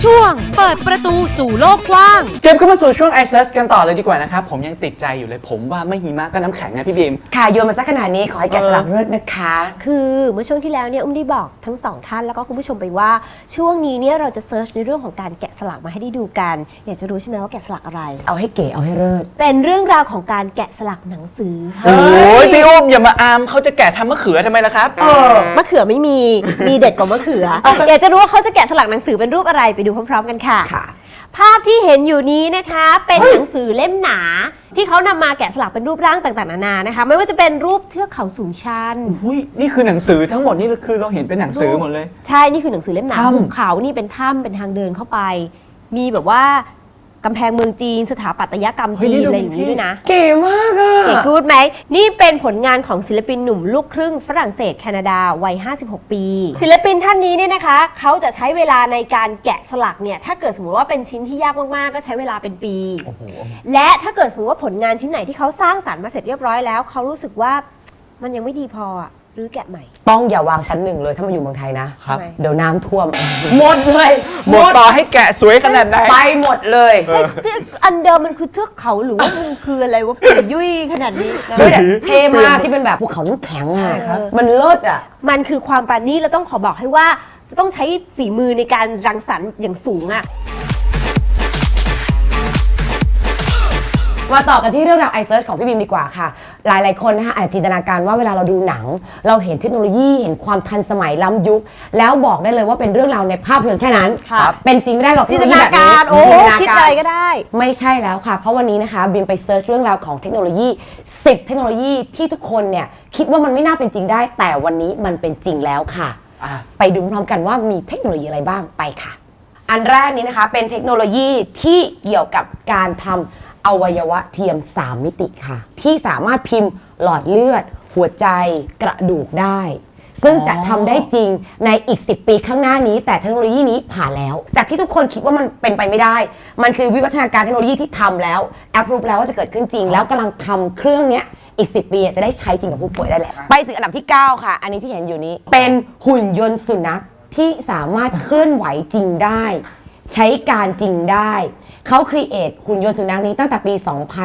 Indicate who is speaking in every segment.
Speaker 1: ช่วงเปิดประตูสู่โลกกว้าง
Speaker 2: เกมเข้ามาสู่ช่วง i Search กันต่อเลยดีกว่านะครับผมยังติดใจอยู่เลยผมว่าไม่หิมะก็น้ำแข็งนะพี่บีม
Speaker 3: ค่ะโยนมาสักขนาดนี้ขอให้แกะสลักเลิศนะคะ
Speaker 4: คือเมื่อช่วงที่แล้วเนี่ยอุ้มได้บอกทั้งสองท่านแล้วก็คุณผู้ชมไปว่าช่วงนี้เนี่ยเราจะเซิร์ชในเรื่องของการแกะสลักมาให้ได้ดูกันอยากจะรู้ใช่ไหมว่าแกะสลักอะไร
Speaker 3: เอาให้เก๋เอาให้เลิศ
Speaker 4: เป็นเรื่องราวของการแกะสลักหนังสือค่ะ
Speaker 2: โอ้ยพี่อุ้มอย่ามาอามเขาจะแกะทำมะเขือทำไมล่ะครับ
Speaker 4: มะเขือไม่มีเด็ดกว่ามะเขืออยากจะรู้ว่าเขาจะแกะสลักหนังสือเป็นรูปอะไรไปดูพร้อมๆกันค่ะภาพที่เห็นอยู่นี้นะคะเป็นหนังสือเล่มหนาที่เขานำมาแกะสลักเป็นรูปร่างต่างๆนานานะคะไม่ว่าจะเป็นรูปเทือกเขาสูงชัน
Speaker 2: นี่คือหนังสือทั้งหมดนี่คือเราเห็นเป็นหนังสือหมดเลย
Speaker 4: ใช่นี่คือหนังสือเล่มหนาภูเขานี่เป็นถ้ำเป็นทางเดินเข้าไปมีแบบว่ากำแพงเมืองจีนสถาปัตยกรรมจีนอะไรอย่างนี้ด้วยนะ
Speaker 3: เก๋มากอะ
Speaker 4: เก๋กู๊ดไหมนี่เป็นผลงานของศิลปินหนุ่มลูกครึ่งฝรั่งเศสแคนาดาวัย56 ปีศิลปินท่านนี้เนี่ยนะคะเขาจะใช้เวลาในการแกะสลักเนี่ยถ้าเกิดสมมติว่าเป็นชิ้นที่ยากมากๆก็ใช้เวลาเป็นปีและถ้าเกิดสมมติว่าผลงานชิ้นไหนที่เขาสร้างสรรค์มาเสร็จเรียบร้อยแล้วเขารู้สึกว่ามันยังไม่ดีพอหรือแกะใหม่
Speaker 3: ต้องอย่าวางชั้นหนึ่งเลยถ้ามาอยู่เมืองไทยนะครับเดี๋ยวน้ำท่วมหมดเลย
Speaker 2: หมดต่อให้แกะสวยขนาดไหน
Speaker 3: ไปหมดเลย
Speaker 4: อันเดิมมันคือเทือกเขาหรือว่ามันคืออะไรว่าปุ๋ยยุ่ยขนาดนี้
Speaker 3: เท่มากที่เป็นแบบภูเขาน้ำแข็งอะมันเลิศอะ
Speaker 4: มันคือความปราณีตแล้วต้องขอบอกให้ว่าจะต้องใช้ฝีมือในการรังสรรค์อย่างสูงอะ
Speaker 3: มาต่อกันที่เรื่องราว i Search ของพี่บีมดีกว่าค่ะหลายๆคนนะคะอาจจินตนาการว่าเวลาเราดูหนังเราเห็นเทคโนโลยีเห็นความทันสมัยล้ำยุคแล้วบอกได้เลยว่าเป็นเรื่องราวในภาพยนตร์แค่นั้นเป็นจริงไม่ได้หรอก
Speaker 4: จินตนาการโอ้คิดอะไรก็ได้
Speaker 3: ไม่ใช่แล้วค่ะเพราะวันนี้นะคะบีมไปเซิร์ชเรื่องราวของเทคโนโลยี10เทคโนโลยีที่ทุกคนเนี่ยคิดว่ามันไม่น่าเป็นจริงได้แต่วันนี้มันเป็นจริงแล้วค่ะไปดูพร้อมกันว่ามีเทคโนโลยีอะไรบ้างไปค่ะอันแรกนี้นะคะเป็นเทคโนโลยีที่เกี่ยวกับการทำอวัยวะเทียม3มิติค่ะที่สามารถพิมพ์หลอดเลือดหัวใจกระดูกได้ซึ่งจะทำได้จริงในอีก10 ปีข้างหน้านี้แต่เทคโนโลยีนี้ผ่านแล้วจากที่ทุกคนคิดว่ามันเป็นไปไม่ได้มันคือวิวัฒนาการเทคโนโลยีที่ทำแล้วแอปพรูฟแล้วว่าจะเกิดขึ้นจริงแล้วกำลังทำเครื่องนี้อีก10 ปีจะได้ใช้จริงกับผู้ป่วยได้แหละไปถึงอันดับที่9ค่ะอันนี้ที่เห็นอยู่นี้เป็นหุ่นยนต์สุนัขที่สามารถเคลื่อนไหวจริงได้ใช้การจริงได้เขาครีเอทหุ่นยนต์สุนัขนี้ตั้งแต่ปี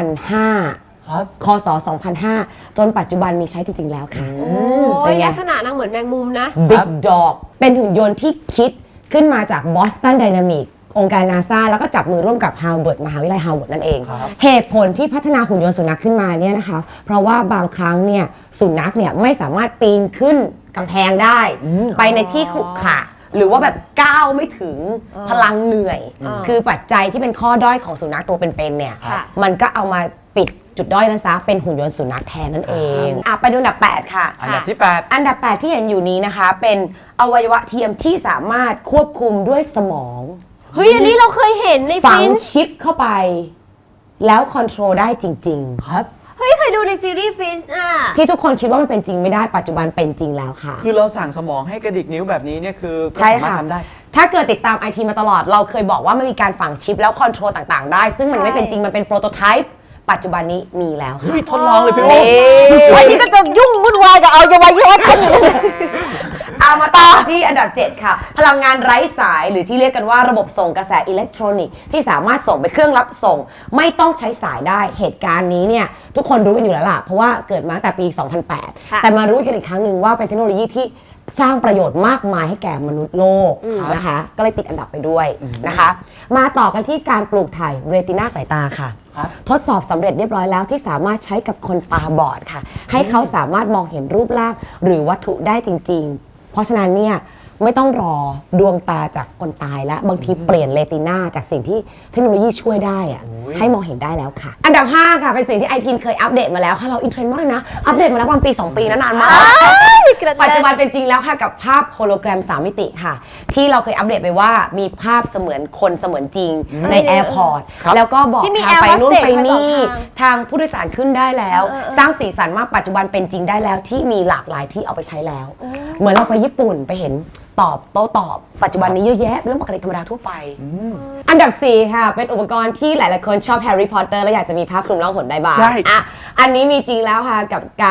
Speaker 3: 2005 ครับคศ 2005 จนปัจจุบันมีใช้จริงๆแล้วค่ะ
Speaker 4: เป็นลักษณะนางเหมือนแมงมุมนะ
Speaker 3: Big Dog เป็นหุ่นยนต์ที่คิดขึ้นมาจาก Boston Dynamics องค์การ NASA แล้วก็จับมือร่วมกับ Harvard มหาวิทยาลัย Harvard นั่นเองเหตุผลที่พัฒนาหุ่นยนต์สุนัขขึ้นมาเนี่ยนะคะเพราะว่าบางครั้งเนี่ยสุนัขเนี่ยไม่สามารถปีนขึ้นกำแพงได้ไปในที่ขรุขระหรือว่าแบบก้าวไม่ถึงพลังเหนื่อยคือปัจจัยที่เป็นข้อด้อยของสุนัขตัวเป็นๆเนี่ยมันก็เอามาปิดจุดด้อยนั้นซะเป็นหุ่นยนต์สุนัขแทนนั่นเองไปดูอันดับ8ค่ะ
Speaker 2: อันดับที่8
Speaker 3: อันดับ8ที่เห็นอยู่นี้นะคะเป็นอวัยวะเทียมที่สามารถควบคุมด้วยสมอง
Speaker 4: เฮ้ยอันนี้เราเคยเห็นใน
Speaker 3: ฝังชิปเข้าไปแล้วคอนโทรลได้จริงๆ
Speaker 2: ครับ
Speaker 4: เฮ้ยเคยดูในซีรีส์ฟินช์
Speaker 3: ที่ทุกคนคิดว่ามันเป็นจริงไม่ได้ปัจจุบันเป็นจริงแล้วค่ะ
Speaker 2: คือเราสั่งสมองให้กระดิกนิ้วแบบนี้เนี่ยคือ
Speaker 3: ใช่ค่ะทำได้ถ้าเกิดติดตามไอทีมาตลอดเราเคยบอกว่ามันมีการฝังชิปแล้วคอนโทรลต่างๆได้ซึ่งมันไม่เป็นจริงมันเป็นโปรโตไทป์ปัจจุบันนี้มีแล้วค่ะ
Speaker 2: ทดลองเลยพี่โอ้
Speaker 4: วันนี้ก็จะยุ่งวุ่นวายกับเอาอวัยวะทั้งหมด
Speaker 3: เอามาต่อที่อันดับ7ค่ะพลังงานไร้สายหรือที่เรียกกันว่าระบบส่งกระแสอิเล็กทรอนิกส์ที่สามารถส่งไปเครื่องรับส่งไม่ต้องใช้สายได้เหตุการณ์นี้เนี่ยทุกคนรู้กันอยู่แล้วล่ะเพราะว่าเกิดมาตั้งแต่ปี 2008 แต่มารู้กันอีกครั้งหนึ่งว่าเป็นเทคโนโลยีที่สร้างประโยชน์มากมายให้แก่มนุษย์โลกนะคะก็เลยติดอันดับไปด้วยนะคะมาต่อกันที่การปลูกถ่ายเรตินาสายตาค่ะทดสอบสำเร็จเรียบร้อยแล้วที่สามารถใช้กับคนตาบอดค่ะให้เขาสามารถมองเห็นรูปร่างหรือวัตถุได้จริงๆเพราะฉะนั้นเนี่ยไม่ต้องรอดวงตาจากคนตายแล้วบางทีเปลี่ยนเรตินาจากสิ่งที่เทคโนโลยีช่วยได้อะให้มองเห็นได้แล้วค่ะอันดับ5ค่ะเป็นสิ่งที่ไอทีนเคยอัปเดตมาแล้วค่ะเราอินเทรนด์มากเลยนะอัปเดตมาแล้วประมาณปี2 ปีนานมากปัจจุบันเป็นจริงแล้วค่ะกับภาพโฮโลแกรม3 มิติค่ะที่เราเคยอัปเดตไปว่ามีภาพเสมือนคนเสมือนจริงในแอร์พอร์ตแล้วก็บอกทางไปนู่นไปนี่ทางผู้โดยสารขึ้นได้แล้วสร้างสีสันมากปัจจุบันเป็นจริงได้แล้วที่มีหลากหลายที่เอาไปใช้แล้วเหมือนเราไปญี่ปุ่นไปเห็นตอบโต้ตอบปัจจุบันนี้เยอะแยะเป็นเรื่องปกติธรรมดาทั่วไปอันดับ4ค่ะเป็นอุปกรณ์ที่หลายๆคนชอบแฮร์รี่พอตเตอร์และอยากจะมีผ้าคลุมล่องหนได้บ้างใช่อันนี้มีจริงแล้วค่ะกับการ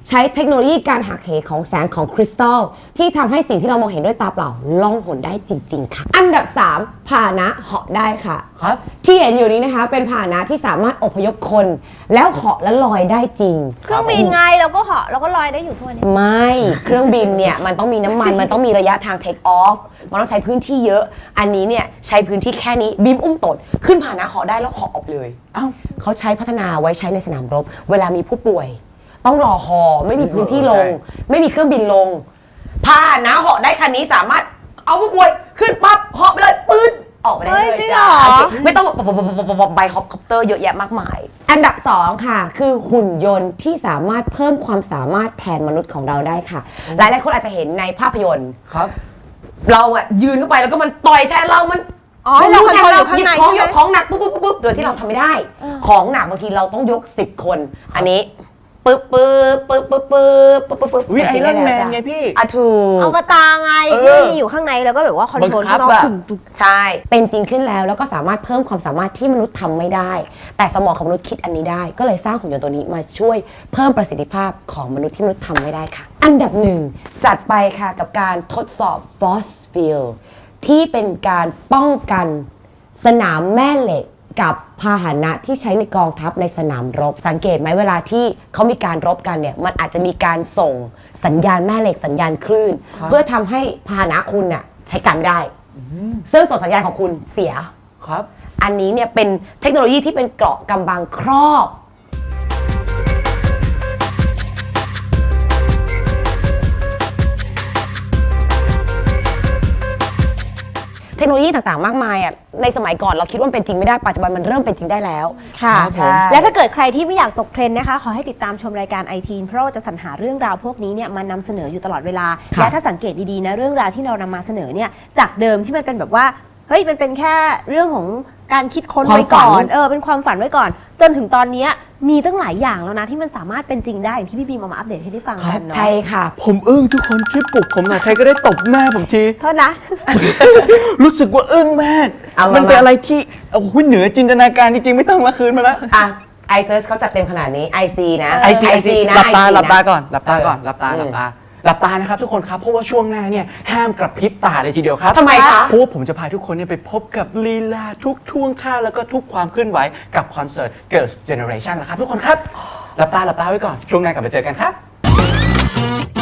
Speaker 3: ใช้เทคโนโลยีการหักเหของแสงของคริสตัลที่ทำให้สิ่งที่เรามองเห็นด้วยตาเปล่าล่องหนได้จริงๆค่ะอันดับ 3พาหนะเหาะได้ค่ะ
Speaker 2: ครับ
Speaker 3: ที่เห็นอยู่นี้นะคะเป็นพาหนะที่สามารถอพยพคนแล้วเหาะและลอยได้จริง
Speaker 4: เครื่องบินไงเราก็เหาะเราก็ลอยได้อยู่ทั่วนี้
Speaker 3: ไม่เครื่องบินเนี่ยมันต้องมีน้ำมัน มันต้องมีระยะทางเทคออฟมันต้องใช้พื้นที่เยอะ อันนี้เนี่ยใช้พื้นที่แค่นี้บีมอุ้มตดขึ้นพาหนะเหาะได้แล้วเหาะออกเลย
Speaker 2: เอ้า
Speaker 3: เขาใช้พัฒนาไว้ใช้ในสนามรบ เวลามีผู้ป่วย ต้องรอฮอไม่มีพื้นที่ลง ไม่มีเครื่องบินลงพาหนะเหาะได้คันนี้สามารถเอาผู้ป่วยขึ้นปั๊บเหาะไปเลยปื๊ดออกไปได้เลย
Speaker 4: เฮ้ยจริง
Speaker 3: จ้า
Speaker 4: เหรอ
Speaker 3: ไม่ต้องใบฮอปคอปเตอร์เยอะแยะมากมาย อันดับ 2 ค่ะ คือหุ่นยนต์ที่สามารถเพิ่มความสามารถแทนมนุษย์ของเราได้ค่ะ หลายๆคนอาจจะเห็นในภาพยนตร์
Speaker 2: ครับ
Speaker 3: เราอะยืนเข้าไปแล้วก็มันต่อยแทนเรามัน
Speaker 4: อ๋อให้เราคอนโทรลอยู่ข้าง
Speaker 3: หยิบ
Speaker 4: ใน
Speaker 3: ของ
Speaker 4: ใช่ไหม
Speaker 3: ยกของหนักปุ๊บโดยที่เราทำไม่ได้ ของหนักบางทีเราต้องยก10 คน อันนี้ปึ๊บ
Speaker 2: อุ๊ยไอรอนแมนไงพี่
Speaker 3: อะถูก
Speaker 4: เอากระตาไง
Speaker 2: เออ
Speaker 4: ที่มันมีอยู่ข้างในแล้วก็แบบว่าคอนโทรล
Speaker 2: บังคั
Speaker 4: ข้า
Speaker 2: บ
Speaker 4: งนอก
Speaker 2: อะ
Speaker 4: ตุ่ม
Speaker 3: ใช่ เป็นจริงขึ้นแล้วแล้วก็สามารถเพิ่มความสามารถที่มนุษย์ทำไม่ได้ แต่สมองของมนุษย์คิดอันนี้ได้ ก็เลยสร้างหุ่นยนต์ตัวนี้มาช่วยเพิ่มประสิทธิภาพของมนุษย์ที่มนุษย์ทำไม่ได้ค่ะ อันดับ 1 จัดไปค่ะกับการทดสอบ Force Field ที่เป็นการป้องกันสนามแม่เหล็กกับพาหนะที่ใช้ในกองทัพในสนามรบ สังเกตไหมเวลาที่เขามีการรบกันเนี่ยมันอาจจะมีการส่งสัญญาณแม่เหล็กสัญญาณคลื่น เพื่อทำให้พาหนะคุณน่ะใช้การไม่ได้ ซึ่งส่งสัญญาณของคุณเสีย
Speaker 2: ครับ
Speaker 3: อันนี้เนี่ยเป็นเทคโนโลยีที่เป็นเกราะกำบังครอบ เทคโนโลยีต่างๆ มากมายอ่ะในสมัยก่อนเราคิดว่ามันเป็นจริงไม่ได้ปัจจุบันมันเริ่มเป็นจริงได้แล้ว
Speaker 4: ๆค่ะ
Speaker 3: ใช่
Speaker 4: และถ้าเกิดใครที่ไม่อยากตกเทรนด์นะคะ ขอให้ติดตามชมรายการไอทีนเพราะเราจะสรรหาเรื่องราวพวกนี้เนี่ยมานำเสนออยู่ตลอดเวลา
Speaker 3: ค่ะ
Speaker 4: และถ้าสังเกตดีๆนะเรื่องราวที่เรานำมาเสนอเนี่ยจากเดิมที่มันเป็นแบบว่าเฮ้ยมันเป็นแค่เรื่องของการคิดค้นไว้ก่อนเป็นความฝันไว้ก่อน จนถึงตอนเนี้ยมีตั้งหลายอย่างแล้วนะที่มันสามารถเป็นจริงได้อย่างที่พี่บีมเอามาอัปเดตให้ได้ฟังกันเนาะ
Speaker 3: ใช่ค่ะ
Speaker 2: ผมอึ้งทุกคนช่วยปลุกผมหน่อยใครก็ได้ตบหน้าผมที
Speaker 4: โทษนะ
Speaker 2: รู้สึกว่าอึ้งมาก
Speaker 3: เอามามั
Speaker 2: มันเป็นอะไรที่โอ้โหเหนือจินตนาการจริงๆ ไม่ต้องมาคืนมาแล้ว
Speaker 3: อ่ะ iSearch เขาจัดเต็มขนาดนี้ IC นะ
Speaker 2: IC
Speaker 3: นะ
Speaker 2: หลับตา
Speaker 3: IC
Speaker 2: หลับตา
Speaker 3: นะ
Speaker 2: ก่อนหลับตาก่อน
Speaker 3: เออ
Speaker 2: หลับตา
Speaker 3: อืม
Speaker 2: หลับตาหลับตานะครับทุกคนครับเพราะว่าช่วงหน้าเนี่ยห้ามกระพริบตาเลยทีเดียวครับ
Speaker 3: ทำไมคะ
Speaker 2: เพราะว่าผมจะพาทุกคนเนี่ยไปพบกับลีลาทุกท่วงท่าแล้วก็ทุกความเคลื่อนไหวกับคอนเสิร์ต Girls Generation นะครับทุกคนครับหลับตาไว้ก่อนช่วงหน้ากลับมาเจอกันครับ